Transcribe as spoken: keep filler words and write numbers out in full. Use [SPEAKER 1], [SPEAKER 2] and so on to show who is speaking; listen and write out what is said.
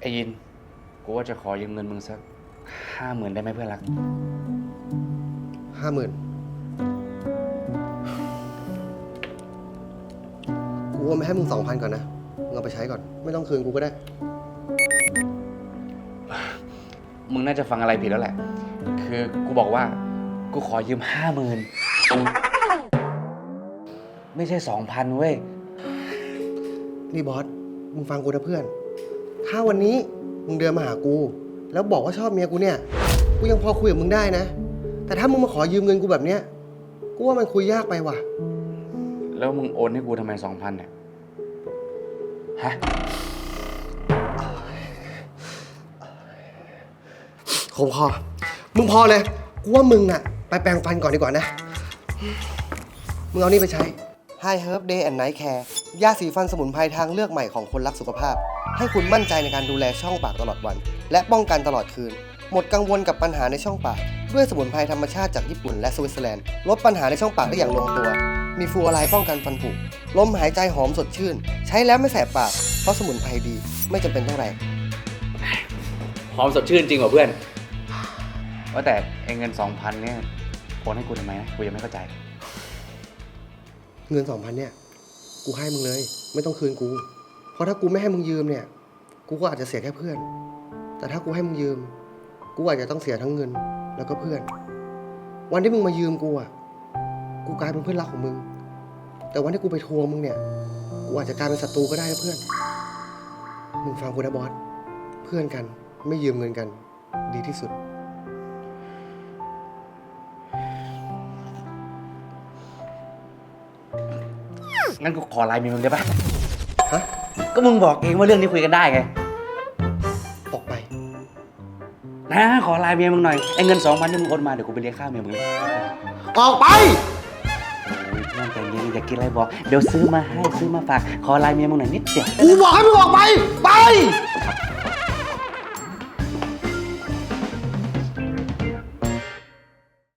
[SPEAKER 1] อ้ยินกูว่าจะขอยืมเงินมึงสักห้าหมื่นได้ไหมเพื่อนรัก
[SPEAKER 2] ห้าหมื่นกูว่าไม่ให้มึงสองพันก่อนนะมึงเอาไปใช้ก่อนไม่ต้องคืนกูก็ได้
[SPEAKER 1] มึงน่าจะฟังอะไรผิดแล้วแหละคือกูบอกว่ากูขอยืมห้าหมื่นไม่ใช่สองพันเว้ย
[SPEAKER 2] นี่บอสมึงฟังกูนะเพื่อนถ้าวันนี้มึงเดินมาหากูแล้วบอกว่าชอบเมียกูเนี่ยกูยังพอคุยกับมึงได้นะแต่ถ้ามึงมาขอยืมเงินกูแบบเนี้ยกูว่ามันคุยยากไปว่ะ
[SPEAKER 1] แล้วมึงโอนให้กูทำไมสองพันเนี่ยฮะ
[SPEAKER 2] คงพอมึงพอเลยกูว่ามึงอะไปแปรงฟันก่อนดีกว่านะมึงเอานี่ไปใช้ Hi Herb Day and Night Care ยาสีฟันสมุนไพรทางเลือกใหม่ของคนรักสุขภาพให้คุณมั่นใจในการดูแลช่องปากตลอดวันและป้องกันตลอดคืนหมดกังวลกับปัญหาในช่องปากด้วยสมุนไพรธรรมชาติจากญี่ปุ่นและสวิตเซอร์แลนด์ลดปัญหาในช่องปากได้อย่างลงตัวมีฟลูออไรด์ป้องกันฟันผุลมหายใจหอมสดชื่นใช้แล้วไม่แสบปากเพราะสมุนไพรดีไม่จำเป็นต้องแรง
[SPEAKER 1] หอมสดชื่นจริงเหรอเพื่อนว่าแต่ไอ้เงินสองพันเนี่ยโอนให้กูทำไมนะกูยังไม่เข้าใจ
[SPEAKER 2] เงินสองพันเนี่ยกูให้มึงเลยไม่ต้องคืนกูเพราะถ้ากูไม่ให้มึงยืมเนี่ยกูก็อาจจะเสียแค่เพื่อนแต่ถ้ากูให้มึงยืมกูอาจจะต้องเสียทั้งเงินแล้วก็เพื่อนวันที่มึงมายืมกูอ่ะกูกลายเป็นเพื่อนรักของมึงแต่วันที่กูไปทวงมึงเนี่ยกูอาจจะกลายเป็นศัตรูก็ได้นะเพื่อนมึงฟังกูนะบอสเพื่อนกันไม่ยืมเงินกันดีที่สุด
[SPEAKER 1] งั้นกูขอไลน์เมียมึงได้ปะ
[SPEAKER 2] ฮะ
[SPEAKER 1] ก็มึงบอกเองว่าเรื่องนี้คุยกันได้ไง
[SPEAKER 2] ออกไป
[SPEAKER 1] นะขอไลน์เมียมึงหน่อยไอ้เงินสองพันที่มึงโอนมาเดี๋ยวกูไปเลี้ยงข้าวเมียมึงเลย
[SPEAKER 2] ออกไป
[SPEAKER 1] โอ้ยเพื่อนใจเย็นอยากกินอะไรบอกเดี๋ยวซื้อมาให้ซื้อมาฝากขอไลน์เมียมึงหน่อยนิดเดียว
[SPEAKER 2] กูบอกให้มึงออกไปไป
[SPEAKER 1] ขอ